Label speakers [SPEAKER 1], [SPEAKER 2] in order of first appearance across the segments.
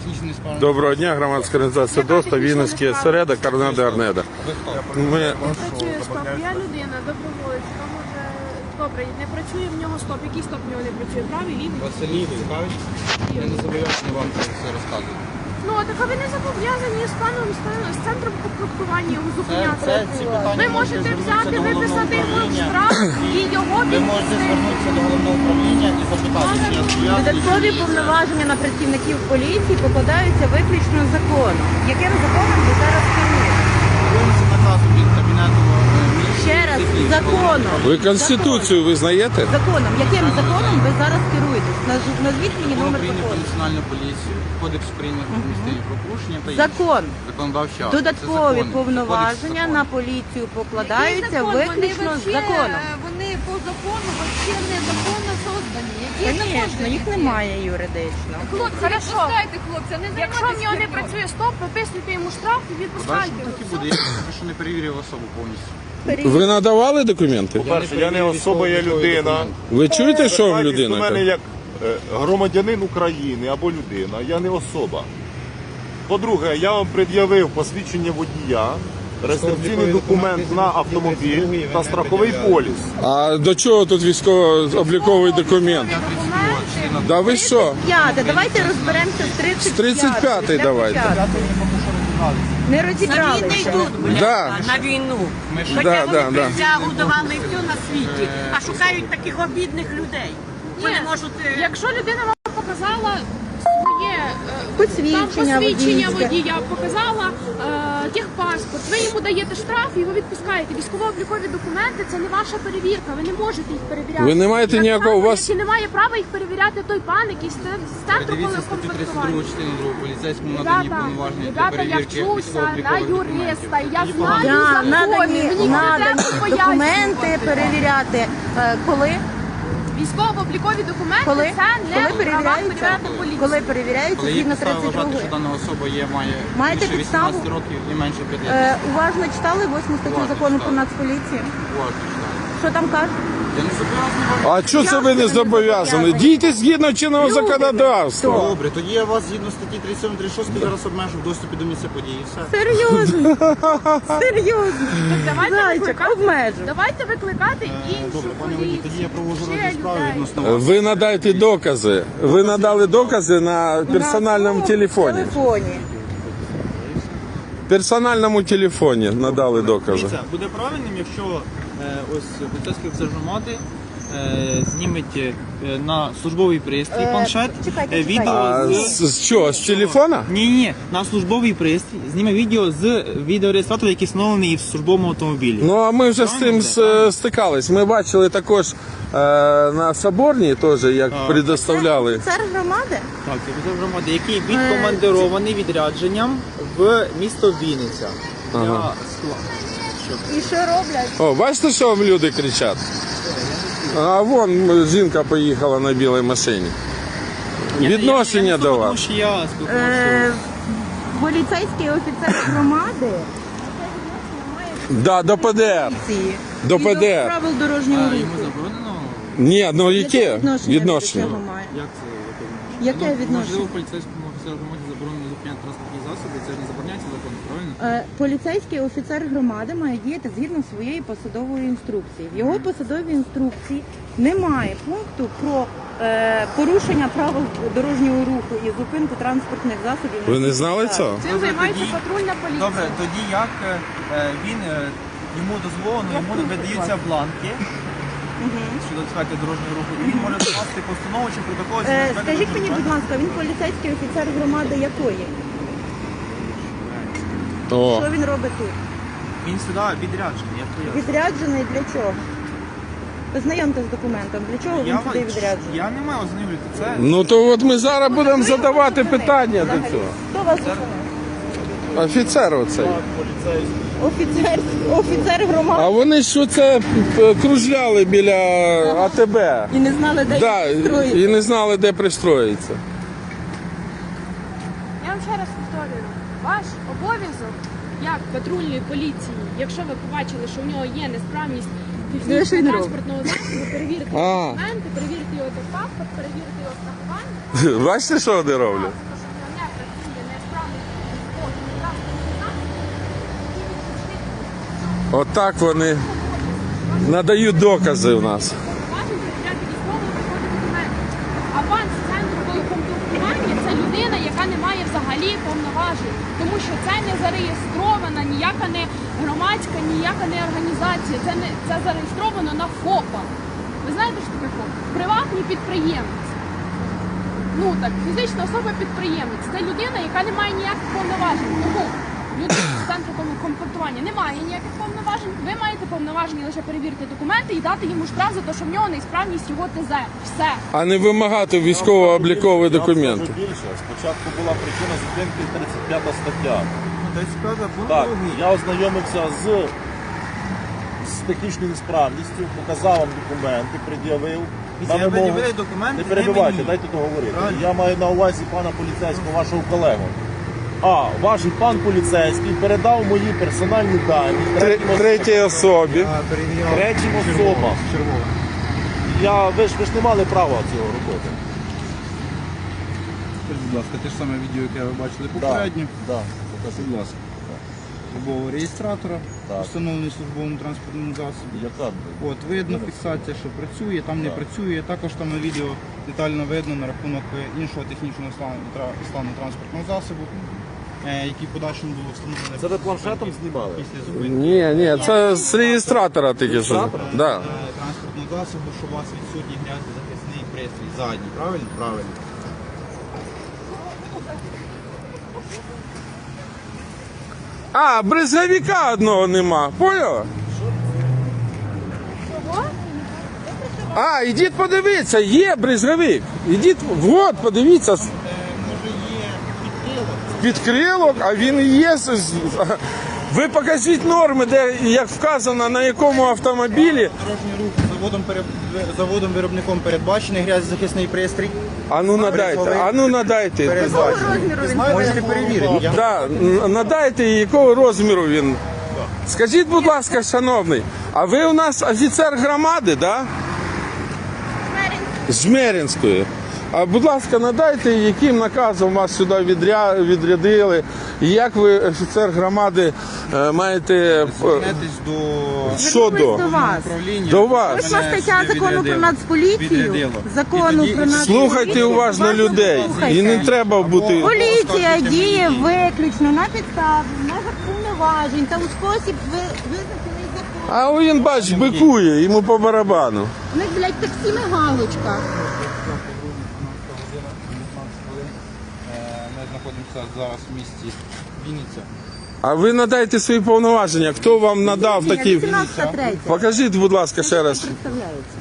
[SPEAKER 1] технічну несправність.
[SPEAKER 2] Доброго дня, громадська організація ДОСТа, Вінницький осередок, Арнеда Арнеда. Ми...
[SPEAKER 3] Не працює стоп. Я людина, доброволець. Може, добре, не працює в нього стоп. Який стоп в нього не працює? Правий, лівий?
[SPEAKER 1] Василій цікавить? Я не зобов'язаний вам це все розказувати.
[SPEAKER 3] Ну, так а ви не зобов'язані з паном з центром комплектування його зупиняти.
[SPEAKER 1] Ці питання
[SPEAKER 3] Ви можете взяти, виписати йому штраф і його
[SPEAKER 1] Ви можете звернутися до головного управління і запитати, чи я зобов'язаний.
[SPEAKER 4] Додаткові повноваження на працівників поліції покладаються виключно законом. Яким законом ви зараз керуєте?
[SPEAKER 1] Виносить наказу від кабінету
[SPEAKER 4] Ще раз, законом.
[SPEAKER 2] Ви Конституцію визнаєте?
[SPEAKER 4] Законом. Яким законом ви зараз керуєтесь? Назвіть мені
[SPEAKER 1] Закон
[SPEAKER 4] номер
[SPEAKER 1] України про
[SPEAKER 4] закону.
[SPEAKER 1] національну поліцію, Кодекс України про адміністративні правопорушення та інші
[SPEAKER 4] Закон.
[SPEAKER 1] законодавчі акти. Це
[SPEAKER 4] Додаткові
[SPEAKER 1] закони.
[SPEAKER 4] повноваження
[SPEAKER 1] Кодекс
[SPEAKER 4] на
[SPEAKER 1] законів.
[SPEAKER 4] поліцію покладаються виключно законом.
[SPEAKER 5] Вони по закону вообще незаконно создані.
[SPEAKER 4] Звісно, їх немає юридично.
[SPEAKER 5] Хлопці,
[SPEAKER 3] Хорошо.
[SPEAKER 5] відпускайте, хлопця, не
[SPEAKER 3] Якщо в нього не працює стоп, виписуйте йому штраф і
[SPEAKER 1] Далі
[SPEAKER 3] відпускайте.
[SPEAKER 1] так і буде. Я поки що не перевірив особу повністю.
[SPEAKER 2] Ви надавали документи?
[SPEAKER 6] По-перше, я не особа, я людина.
[SPEAKER 2] Ви чуєте, що вам
[SPEAKER 6] Звертайтесь
[SPEAKER 2] людина
[SPEAKER 6] до мене
[SPEAKER 2] каже?
[SPEAKER 6] як громадянин України або людина, я не особа. По-друге, я вам пред'явив посвідчення водія, реєстраційний документ на автомобіль та страховий поліс.
[SPEAKER 2] А до чого тут військово-обліковий документ? Да ви що?
[SPEAKER 4] Давайте розберемося з 35-ї.
[SPEAKER 2] З 35-ї
[SPEAKER 4] для
[SPEAKER 2] давайте.
[SPEAKER 4] початку. Не розібралися.
[SPEAKER 2] Да.
[SPEAKER 7] На війну. Хоча
[SPEAKER 2] Да,
[SPEAKER 7] вони
[SPEAKER 2] да, да.
[SPEAKER 7] присягу давали все на світі, а шукають таких обідних людей. Вони можуть...
[SPEAKER 3] Якщо людина вам показала своє
[SPEAKER 4] Посвідчення
[SPEAKER 3] посвідчення
[SPEAKER 4] водійське.
[SPEAKER 3] водія, показала техпаспорт, ви йому даєте штраф і його відпускаєте. Військово-облікові документи це не ваша перевірка, ви не можете їх перевіряти.
[SPEAKER 2] Ви не маєте
[SPEAKER 3] Так
[SPEAKER 2] ніякого,
[SPEAKER 3] само,
[SPEAKER 2] у вас-
[SPEAKER 3] як і немає права їх перевіряти той пан, який з центру
[SPEAKER 1] Передивіться статтю 32
[SPEAKER 3] комплектування.
[SPEAKER 1] частини 2 поліцейському надані
[SPEAKER 3] Ребята,
[SPEAKER 1] повноваження для
[SPEAKER 3] ребята, я
[SPEAKER 1] перевірки
[SPEAKER 3] вчуся на
[SPEAKER 1] військово-облікових
[SPEAKER 3] юриста,
[SPEAKER 1] документів.
[SPEAKER 3] я
[SPEAKER 1] Тоді
[SPEAKER 3] знаю
[SPEAKER 1] погано.
[SPEAKER 4] Да,
[SPEAKER 3] закони, мені
[SPEAKER 4] надані
[SPEAKER 3] не треба
[SPEAKER 4] документи
[SPEAKER 3] пояснювати.
[SPEAKER 4] перевіряти. Коли?
[SPEAKER 3] Військово-облікові документи
[SPEAKER 4] Коли?
[SPEAKER 3] це не
[SPEAKER 4] Коли
[SPEAKER 3] права
[SPEAKER 4] перевіряються?
[SPEAKER 3] перевіряти поліцію.
[SPEAKER 4] Коли перевіряються
[SPEAKER 1] Коли є
[SPEAKER 4] згідно
[SPEAKER 1] підстава вважати,
[SPEAKER 4] 32-ї.
[SPEAKER 1] що дана особа має
[SPEAKER 4] Маєте
[SPEAKER 1] більше
[SPEAKER 4] підставу?
[SPEAKER 1] 18 років і менше 5 років.
[SPEAKER 4] Уважно читали 8 статтю
[SPEAKER 1] Уважно
[SPEAKER 4] закону про
[SPEAKER 1] читали.
[SPEAKER 4] Нацполіцію?
[SPEAKER 1] Уважно читаю.
[SPEAKER 4] Що там кажуть?
[SPEAKER 1] Я не зобов'язаний вам.
[SPEAKER 2] А чого це ви не зобов'язані? Дійте згідно чинного законодавства.
[SPEAKER 1] Добре, тоді я вас згідно статті 37-36 зараз обмежу в доступі до місця події. Все.
[SPEAKER 4] Серйозно? Серйозно?
[SPEAKER 3] Давайте
[SPEAKER 4] Зайчик,
[SPEAKER 3] викликати.
[SPEAKER 4] обмежу.
[SPEAKER 3] Давайте викликати іншу
[SPEAKER 1] Добре, пане водій,
[SPEAKER 3] поліцію.
[SPEAKER 1] тоді я провожу
[SPEAKER 3] Ще
[SPEAKER 1] розгляд справи
[SPEAKER 3] людей.
[SPEAKER 1] відносно вас.
[SPEAKER 2] Ви надайте докази. Ви надали докази на персональному
[SPEAKER 4] На
[SPEAKER 2] телефоні.
[SPEAKER 4] телефоні.
[SPEAKER 2] Персональному телефоні надали докази.
[SPEAKER 8] Дивіться, буде правильним, якщо ось поліцейський офіцер громади зніметь на службовий пристрій планшет
[SPEAKER 4] чекайте,
[SPEAKER 8] відео
[SPEAKER 2] А
[SPEAKER 8] з...
[SPEAKER 2] з чого? З телефона?
[SPEAKER 8] Ні, на службовий пристрій зніме відео з відеореєстратора, який встановлений в службовому автомобілі.
[SPEAKER 2] Ну а ми вже з цим стикались. Ми бачили також на Соборній, теж як предоставляли.
[SPEAKER 4] Офіцер громади?
[SPEAKER 8] Так, це офіцер громади, який відкомандирований відрядженням в місто Вінниця.
[SPEAKER 2] Ага.
[SPEAKER 8] Для скла-
[SPEAKER 4] І що роблять?
[SPEAKER 2] О, бачите, що вам люди кричать? А вон жінка поїхала на білій машині. Відношення до
[SPEAKER 8] Тому
[SPEAKER 2] вас.
[SPEAKER 8] що я спілкувався.
[SPEAKER 4] Поліцейський офіцер громади
[SPEAKER 2] Да, до ПДР.
[SPEAKER 4] ці
[SPEAKER 2] До
[SPEAKER 4] згідно
[SPEAKER 2] ПДР.
[SPEAKER 4] правил дорожнього
[SPEAKER 8] Йому
[SPEAKER 4] руху.
[SPEAKER 8] заборонено?
[SPEAKER 2] Ні, ну яке
[SPEAKER 4] Яке
[SPEAKER 2] відношення?
[SPEAKER 4] до цього має?
[SPEAKER 8] Як це?
[SPEAKER 4] Яке
[SPEAKER 8] Можливо,
[SPEAKER 4] відношення?
[SPEAKER 8] поліцейському офіцеру громаді заборонено зупиняти транспортні засоби, це не забороняється законом, правильно?
[SPEAKER 4] Поліцейський офіцер громади має діяти згідно своєї посадової інструкції. В його посадовій інструкції немає пункту про порушення правил дорожнього руху і зупинку транспортних засобів.
[SPEAKER 2] Ви не знали цього?
[SPEAKER 3] Цим займається
[SPEAKER 8] тоді-
[SPEAKER 3] патрульна поліція.
[SPEAKER 8] Добре, тоді як він, йому дозволено, йому видаються бланки щодо безпеки дорожнього руху, і він може скласти постанову чи протокол. щодо безпеки
[SPEAKER 4] Скажіть мені,
[SPEAKER 8] дорожнього
[SPEAKER 4] будь ласка, він поліцейський офіцер громади якої?
[SPEAKER 2] О,
[SPEAKER 4] Що він робить тут?
[SPEAKER 8] руху. Він сюди відряджений, як то я.
[SPEAKER 4] Відряджений для чого? Ознайомте з документом. Для чого він сюди відряджений?
[SPEAKER 8] Я не маю ознайомлювати це.
[SPEAKER 2] ну то от ми зараз будемо задавати питання до цього.
[SPEAKER 4] Хто вас зупинив?
[SPEAKER 2] Офіцер оцей.
[SPEAKER 4] Офіцер громади.
[SPEAKER 2] А вони що це кружляли біля АТБ.
[SPEAKER 4] І не знали, де
[SPEAKER 2] Да,
[SPEAKER 4] їх строїти.
[SPEAKER 2] і не знали, де пристроїться.
[SPEAKER 3] Я вам ще раз повторюю, ваш обов'язок як патрульної поліції, якщо ви побачили, що в нього є несправність
[SPEAKER 4] Ну, що він робить?
[SPEAKER 3] транспортного засобу, перевірити
[SPEAKER 2] А.
[SPEAKER 3] документи, перевірити його паспорт, перевірити його страхування.
[SPEAKER 2] Бачите, що вони роблять?
[SPEAKER 3] Що в нього не працює
[SPEAKER 2] Отак вони надають докази в нас.
[SPEAKER 3] Повноважень перевіряти військово-облікові документи. Аванс центру комплектування – це людина, яка не має взагалі повноважень, тому що це не зареєстрована, ніяка не громадська, ніяка не організація. Це зареєстровано на ФОПа. Ви знаєте, що таке ФОП? Приватний підприємець. Ну так, фізична особа-підприємець. Це людина, яка не має ніяких повноважень. Тому людина з центру комплектування не має ніяких повноважень. Ви маєте повноваження лише перевірити документи і дати йому штраф за те, що в нього неісправність його ТЗ. Все.
[SPEAKER 2] А не вимагати військово-облікові документи.
[SPEAKER 6] Я вам скажу більше. Спочатку була причина зупинки 35 стаття.
[SPEAKER 8] 35 пункт
[SPEAKER 6] Так,
[SPEAKER 8] другий.
[SPEAKER 6] я ознайомився з технічною несправністю, показав вам документи, пред'явив.
[SPEAKER 8] Після
[SPEAKER 6] На вимогу-
[SPEAKER 8] пред'явили документи,
[SPEAKER 6] Не
[SPEAKER 8] не
[SPEAKER 6] перебивайте,
[SPEAKER 8] мені.
[SPEAKER 6] дайте договорити.
[SPEAKER 8] Правильно.
[SPEAKER 6] Я маю на увазі пана поліцейського, вашого колегу. А, ваш пан поліцейський передав мої персональні дані
[SPEAKER 2] Третій особі.
[SPEAKER 6] третім особам. Ви ж не мали права цього робити.
[SPEAKER 9] Скажіть, будь ласка, те ж саме відео, яке ви бачили попередньо.
[SPEAKER 6] Да.
[SPEAKER 9] Будь ласка. Службового реєстратора,
[SPEAKER 6] Так.
[SPEAKER 9] встановлений в службовому транспортному засобі.
[SPEAKER 6] Яка?
[SPEAKER 9] От, видно фіксація, що працює, там не працює. Також там на відео детально видно на рахунок іншого технічного стану транспортного засобу, який в подальшому було встановлено.
[SPEAKER 6] Це ви планшетом знімали?
[SPEAKER 9] Після зупинки
[SPEAKER 2] Ні, це з реєстратора тільки що. Да.
[SPEAKER 9] транспортного засобу, що у вас відсутній грязно-захисний пристрій задній. Правильно? Правильно.
[SPEAKER 2] А, бризговика одного нема, поняла? А, ідіть подивіться, є бризговик. Ідіть, от, подивіться. Підкрилок, а він і є. Ви покажіть норми, де, як вказано, на якому автомобілі.
[SPEAKER 9] Дорожній рух заводом-виробником передбачений грязозахисний пристрій.
[SPEAKER 2] А ну надайте.
[SPEAKER 9] Передбачений. Можете перевірити.
[SPEAKER 2] Да, надайте, якого розміру він. Скажіть, будь ласка, шановний, а ви у нас офіцер громади, да? Жмеринської. А будь ласка, надайте, яким наказом вас сюди відрядили, і як ви, офіцер громади, маєте.
[SPEAKER 9] Звернетесь до
[SPEAKER 2] Що до?
[SPEAKER 9] управління.
[SPEAKER 2] До вас.
[SPEAKER 4] Ось стаття закону про нацполіцію, закону про нацполіцію.
[SPEAKER 2] Слухайте уважно людей. І не треба бути.
[SPEAKER 4] Поліція діє виключно на підставі, в межах повноважень та у спосіб визначений закон.
[SPEAKER 2] А він, бач, бикує, йому по барабану.
[SPEAKER 4] У них, блядь, таксі галочка.
[SPEAKER 9] Ми знаходимося зараз в місті Вінниця.
[SPEAKER 2] А ви надайте свої повноваження. Хто вам надав такі?
[SPEAKER 4] 18.3.
[SPEAKER 2] Покажіть, будь ласка, ще раз.
[SPEAKER 4] Представляється.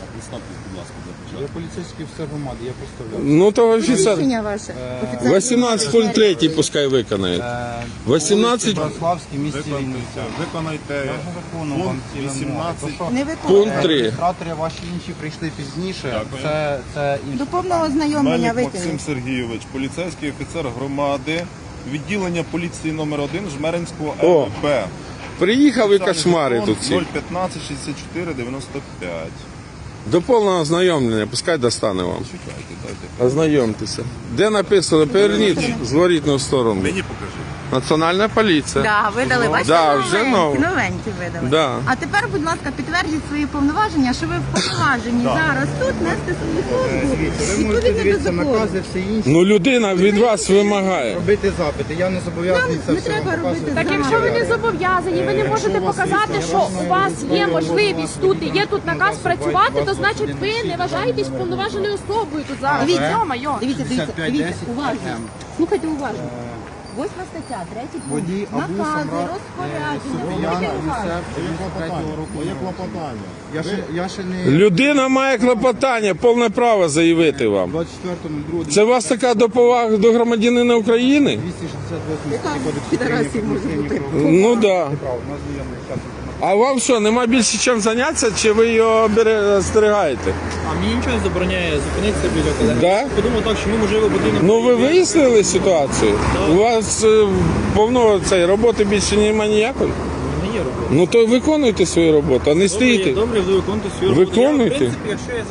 [SPEAKER 9] Я поліцейський офіцер громади, я представляю.
[SPEAKER 2] Ну то офіцер.
[SPEAKER 4] Рішення ваше. Офіцер.
[SPEAKER 2] 18.03 пускай виконає. 18
[SPEAKER 9] Браславський, місті Вінниця.
[SPEAKER 6] Виконайте
[SPEAKER 9] Закону вам ці
[SPEAKER 6] 18.
[SPEAKER 4] Не виконує.
[SPEAKER 2] пункт 3.
[SPEAKER 9] Реєстратори ваші інші прийшли пізніше. Це інші.
[SPEAKER 4] До повного ознайомлення
[SPEAKER 6] Мельник Максим
[SPEAKER 4] викинуть.
[SPEAKER 6] Сергійович, поліцейський офіцер громади, відділення поліції номер 1 Жмеринського
[SPEAKER 2] О.
[SPEAKER 6] МВП.
[SPEAKER 2] Приїхав і кошмари тут всі.
[SPEAKER 6] 015 64 95.
[SPEAKER 2] До повного ознайомлення, пускай достане вам. Ознайомтеся. Де написано, поверніть зворітну сторону.
[SPEAKER 6] Мені покажи.
[SPEAKER 2] Національна поліція.
[SPEAKER 4] Да, видали, бачите,
[SPEAKER 2] Да, вже нове.
[SPEAKER 4] новенькі видали.
[SPEAKER 2] Да.
[SPEAKER 4] А тепер, будь ласка, підтвердіть свої повноваження, що ви вповноважені зараз тут нести свою службу
[SPEAKER 9] Ви можете
[SPEAKER 4] відповідно до
[SPEAKER 9] дивитися
[SPEAKER 4] закону.
[SPEAKER 9] накази, все інше.
[SPEAKER 2] Ну людина від вас вимагає.
[SPEAKER 9] Робити запити. Я не зобов'язаний це
[SPEAKER 4] Не
[SPEAKER 9] все
[SPEAKER 4] треба
[SPEAKER 9] вам
[SPEAKER 4] робити
[SPEAKER 9] показувати.
[SPEAKER 3] Так якщо ви не зобов'язані, ви не можете показати, що у вас є можливість тут і є тут наказ працювати, то значить ви не вважаєтесь повноваженою особою тут зараз.
[SPEAKER 4] Дивіться,
[SPEAKER 3] Йо-майо.
[SPEAKER 4] дивіться,
[SPEAKER 9] 55-10
[SPEAKER 4] уважно. Слухайте уважно. 8 стаття, 3
[SPEAKER 9] Водій
[SPEAKER 4] пункт.
[SPEAKER 9] Абу
[SPEAKER 4] Накази,
[SPEAKER 9] Самрат,
[SPEAKER 4] розпорядження.
[SPEAKER 9] Софіян
[SPEAKER 4] Слухайте уважно.
[SPEAKER 9] Юсеф 93-го року. Моє клопотання. Я ще не...
[SPEAKER 2] Людина має клопотання, повне право заявити вам.
[SPEAKER 9] 24.02.
[SPEAKER 2] Це у вас така доповага до громадянина України?
[SPEAKER 9] 268 кодексу
[SPEAKER 4] підарасів
[SPEAKER 9] України про
[SPEAKER 4] може бути?
[SPEAKER 2] Ну так. Да.
[SPEAKER 9] право. У нас знайомий час.
[SPEAKER 2] А вам що, нема більше чим зайнятися, чи ви його остерігаєте?
[SPEAKER 8] А мені нічого не забороняє зупинитися біля колеги.
[SPEAKER 2] Да?
[SPEAKER 8] Подумав так, що ми можливо потрібно.
[SPEAKER 2] Ну ви вияснили ситуацію? У вас повно роботи більше немає ніякої?
[SPEAKER 8] Не є робота.
[SPEAKER 2] Ну то виконуйте свою роботу, а не стійте.
[SPEAKER 8] Добре, буду виконувати свою роботу.
[SPEAKER 2] Виконуйте.
[SPEAKER 8] Я, в принципі, якщо я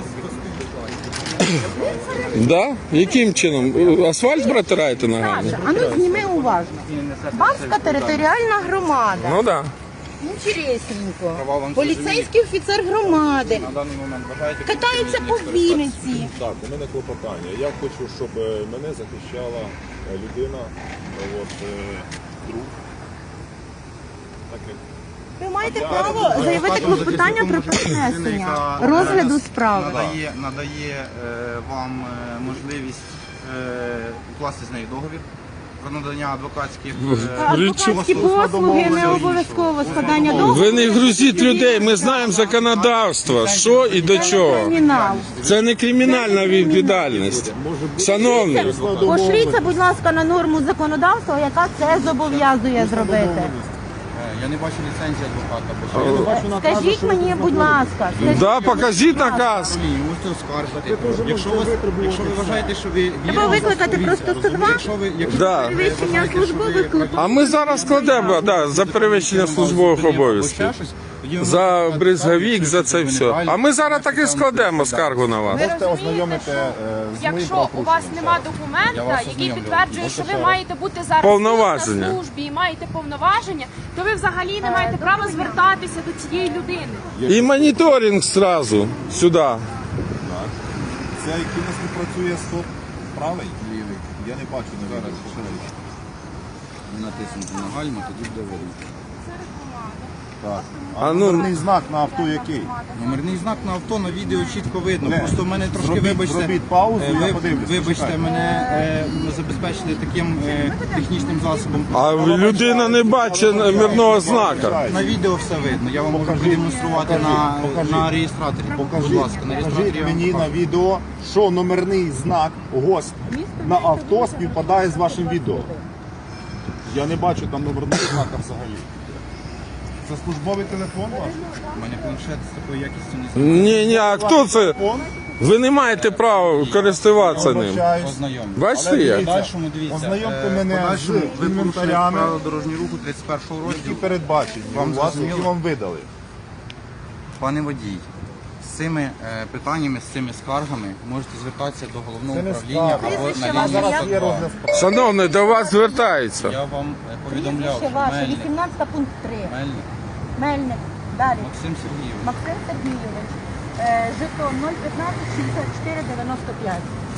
[SPEAKER 2] Да? Яким чином? Асфальт протираєте ногами?
[SPEAKER 4] Саша, а ну зніми уважно. Бабська територіальна громада.
[SPEAKER 2] Ну так. Да.
[SPEAKER 4] Інтересненько.
[SPEAKER 9] Права вам
[SPEAKER 4] Поліцейський офіцер громади.
[SPEAKER 9] На даний момент бажаєте
[SPEAKER 4] Катаються по Вінниці.
[SPEAKER 6] Так, у мене клопотання. Я хочу, щоб мене захищала людина, друг. Так як
[SPEAKER 4] Ви маєте право заявити клопотання про перенесення розгляду справи.
[SPEAKER 9] Надає вам можливість укласти з нею договір про надання адвокатських
[SPEAKER 4] Адвокатські послуги не обов'язково складання договору.
[SPEAKER 2] Ви не грузіть людей, ми знаємо законодавство, що і до чого.
[SPEAKER 4] Кримінал.
[SPEAKER 2] Це не кримінальна відповідальність. Шановний,
[SPEAKER 4] Пошліться, будь ласка, на норму законодавства, яка це зобов'язує зробити.
[SPEAKER 9] Я не бачу ліцензії адвоката.
[SPEAKER 4] Скажіть мені, будь ласка,
[SPEAKER 2] да, покажіть наказ.
[SPEAKER 9] Можете оскаржити. Якщо ви вважаєте, що ви
[SPEAKER 4] Треба викликати просто 102?
[SPEAKER 2] Да.
[SPEAKER 4] Перевищення службових клопотань.
[SPEAKER 2] А ми зараз складемо за перевищення службових обов'язків. За бризговік, за це все. А ми зараз так і складемо скаргу на вас.
[SPEAKER 3] Ви розумієте, що якщо у вас нема документа, який підтверджує, що ви маєте бути зараз
[SPEAKER 2] Повноваження.
[SPEAKER 3] на службі і маєте повноваження, то ви взагалі не маєте права звертатися до цієї людини.
[SPEAKER 2] І моніторинг зразу сюди.
[SPEAKER 6] це який у нас не працює стоп правий, лівий. Я не бачу зараз.
[SPEAKER 9] натиснути на гальма, тоді буде видно.
[SPEAKER 6] Так.
[SPEAKER 2] А ну,
[SPEAKER 6] Номерний знак на авто який?
[SPEAKER 9] Номерний знак на авто на відео чітко видно.
[SPEAKER 6] Не.
[SPEAKER 9] Просто в мене трошки,
[SPEAKER 6] Зробіть-
[SPEAKER 9] вибачте,
[SPEAKER 6] зробіть паузу, я подивлюсь,
[SPEAKER 9] вибачте,
[SPEAKER 6] почекайте.
[SPEAKER 9] мене забезпечили таким технічним засобом.
[SPEAKER 2] а людина не бачить мирного знака.
[SPEAKER 9] На відео все видно. Я вам можу продемонструвати на реєстраторі. Будь ласка, на реєстраторі
[SPEAKER 6] Покажіть
[SPEAKER 9] я вам
[SPEAKER 6] мені на відео, що номерний знак ГОСТ на авто співпадає з вашим відео. Я не бачу там номерного знака взагалі. Це службовий телефон ваш?
[SPEAKER 9] У мене планшет з такою якістю не
[SPEAKER 2] Ні, а хто це?
[SPEAKER 6] Телефон?
[SPEAKER 2] Ви не маєте права користуватися ним.
[SPEAKER 6] Вибачаюсь.
[SPEAKER 9] ознайомлю.
[SPEAKER 2] Бачите
[SPEAKER 6] Але
[SPEAKER 2] як?
[SPEAKER 6] дивіться,
[SPEAKER 9] Подальшому дивіться.
[SPEAKER 6] Ознайомте мене
[SPEAKER 9] подальшому
[SPEAKER 6] з
[SPEAKER 9] ви порушуєте
[SPEAKER 6] інвентарями,
[SPEAKER 9] правила дорожнього руху 31
[SPEAKER 6] які
[SPEAKER 9] розділу.
[SPEAKER 6] передбачені
[SPEAKER 9] Вам
[SPEAKER 6] у вас,
[SPEAKER 9] зрозуміло?
[SPEAKER 6] які вам видали.
[SPEAKER 9] Пане водій, з цими питаннями, з цими скаргами можете звертатися до головного
[SPEAKER 6] Це не
[SPEAKER 9] управління
[SPEAKER 6] скарга.
[SPEAKER 9] або
[SPEAKER 4] Прізвище
[SPEAKER 9] на
[SPEAKER 4] ваше
[SPEAKER 9] лінію
[SPEAKER 4] як?
[SPEAKER 6] Є
[SPEAKER 9] 102.
[SPEAKER 6] розгляд справи.
[SPEAKER 2] Шановний, до вас звертаються.
[SPEAKER 9] Я вам повідомляв,
[SPEAKER 4] Прізвище
[SPEAKER 9] що
[SPEAKER 4] ваше,
[SPEAKER 9] Мельник,
[SPEAKER 4] 18 пункт 3.
[SPEAKER 9] Мельник
[SPEAKER 4] Мельник. Далі.
[SPEAKER 9] Максим Сергійович.
[SPEAKER 4] Максим Сергійович. Жетон 015 64 95.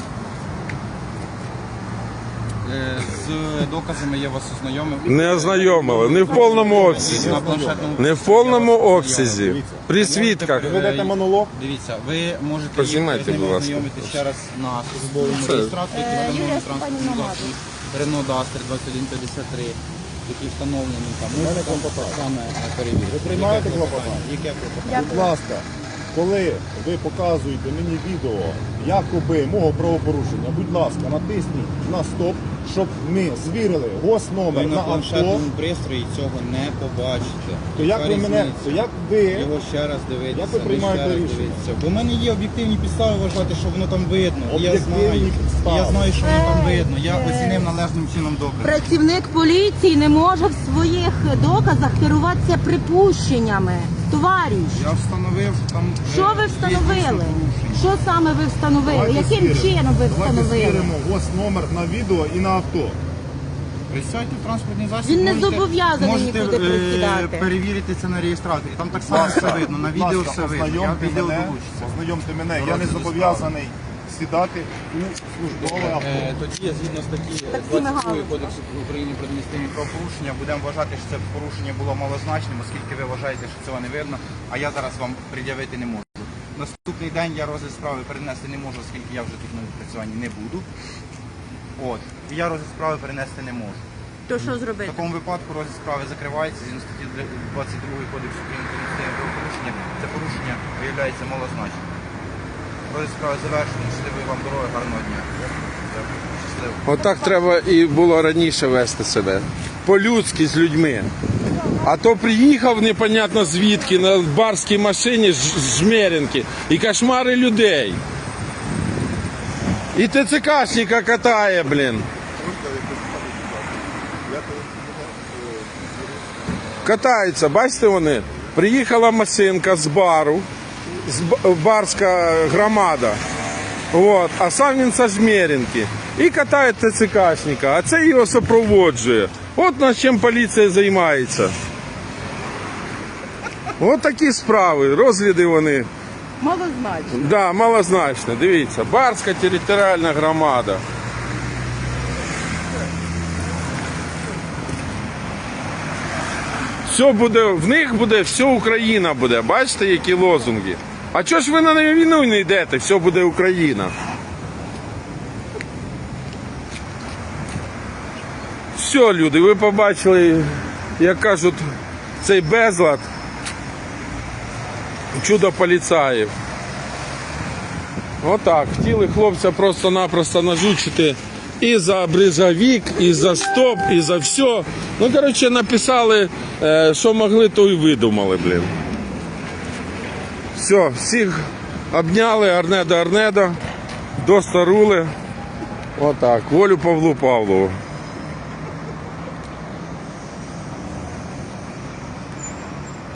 [SPEAKER 9] З доказами я вас ознайомив.
[SPEAKER 2] Не ознайомили, не в повному обсязі.
[SPEAKER 9] На планшетному
[SPEAKER 2] Не в повному обсязі. При свідках.
[SPEAKER 6] Ви ведете монолог?
[SPEAKER 9] Дивіться, ви можете
[SPEAKER 2] Познімайте,
[SPEAKER 9] з ними
[SPEAKER 2] будь ласка.
[SPEAKER 9] ознайомитися ще раз на службовому реєстраторі, який
[SPEAKER 4] Юрія
[SPEAKER 9] встановлений транспортній
[SPEAKER 4] Степанівна
[SPEAKER 9] засобі Renault Duster 2153, який встановлений там. Можете саме перевірити. Ви
[SPEAKER 6] приймаєте клопотання?
[SPEAKER 9] Яке клопотання?
[SPEAKER 6] Будь ласка, коли ви показуєте мені відео якоби мого правопорушення, будь ласка, натисніть на стоп, щоб ми звірили
[SPEAKER 9] Ви
[SPEAKER 6] госномер
[SPEAKER 9] на
[SPEAKER 6] на авто.
[SPEAKER 9] планшетному пристрої цього не побачите.
[SPEAKER 6] То як ви мене, то як ви
[SPEAKER 9] Його ще раз дивитися,
[SPEAKER 6] Як ви приймаєте
[SPEAKER 9] ще раз
[SPEAKER 6] рішення?
[SPEAKER 9] дивитися. Бо в мене є об'єктивні підстави вважати, що воно там видно. І я
[SPEAKER 6] Об'єктивні
[SPEAKER 9] знаю,
[SPEAKER 6] підстави.
[SPEAKER 9] я знаю, що воно там видно. Я оцінив належним чином докази.
[SPEAKER 4] Працівник поліції не може в своїх доказах керуватися припущеннями. Товариш,
[SPEAKER 9] Я встановив там.
[SPEAKER 4] що ви встановили? Що саме ви встановили? Яким чином ви
[SPEAKER 6] Давайте
[SPEAKER 4] встановили?
[SPEAKER 6] звіримо госномер на відео і на авто.
[SPEAKER 9] Присядьте в транспортний засіб.
[SPEAKER 4] Він не
[SPEAKER 9] можете-
[SPEAKER 4] зобов'язаний
[SPEAKER 9] можете,
[SPEAKER 4] нікуди присідати.
[SPEAKER 9] перевірити це на реєстраторі. Там так само все видно. На відео
[SPEAKER 6] Будь ласка,
[SPEAKER 9] все видно. Я
[SPEAKER 6] ознайомте
[SPEAKER 9] відео
[SPEAKER 6] мене,
[SPEAKER 9] долучиться.
[SPEAKER 6] ознайомте мене. Я не
[SPEAKER 9] Розгляд
[SPEAKER 6] зобов'язаний сідати у службове авто.
[SPEAKER 9] Тоді я згідно статті
[SPEAKER 4] Таксі
[SPEAKER 9] 22
[SPEAKER 4] мигалки.
[SPEAKER 9] Кодексу України про адміністративні правопорушення будемо вважати, що це порушення було малозначним, оскільки ви вважаєте, що цього не видно, а я зараз вам пред'явити не можу. Наступний день я розгляд справи перенести не можу, оскільки я вже тут на відпрацюванні не буду. От. І я розгляд справи перенести не можу.
[SPEAKER 4] То що
[SPEAKER 9] В
[SPEAKER 4] зробити?
[SPEAKER 9] такому випадку розгляд справи закривається згідно статті 22 Кодексу України про адміністративні правопорушення. Це порушення виявляється малозначним. Розгляд справи завершено. Щасливої вам дороги, гарного дня. Дякую. Щасливо.
[SPEAKER 2] Отак треба і було раніше вести себе. По-людськи з людьми. А то приїхав непонятно звідки на барській машині з Жмеринки і кошмари людей. І ТЦКшника катає, блін. Катаються, бачите вони? Приїхала машинка з бару, барська громада. От, а сам він з Жмеринки. І катає ТЦКшника, а це його супроводжує. От над чим поліція займається. От такі справи, розгляди вони.
[SPEAKER 4] Малозначно.
[SPEAKER 2] Да, малозначно. Дивіться, Барська територіальна громада. Все буде, в них буде, все Україна буде. Бачите, які лозунги? А чого ж ви на війну не йдете? Все буде Україна. Все, люди, ви побачили, як кажуть, цей безлад. Чудо поліцаїв. Отак. Хотіли хлопця просто-напросто нажучити і за бризовик, і за стоп, і за все. Ну, коротше, написали, що могли, то і видумали, блін. Все, всіх обняли, Арнеда, до старули. Отак. Волю Павлу Павлову.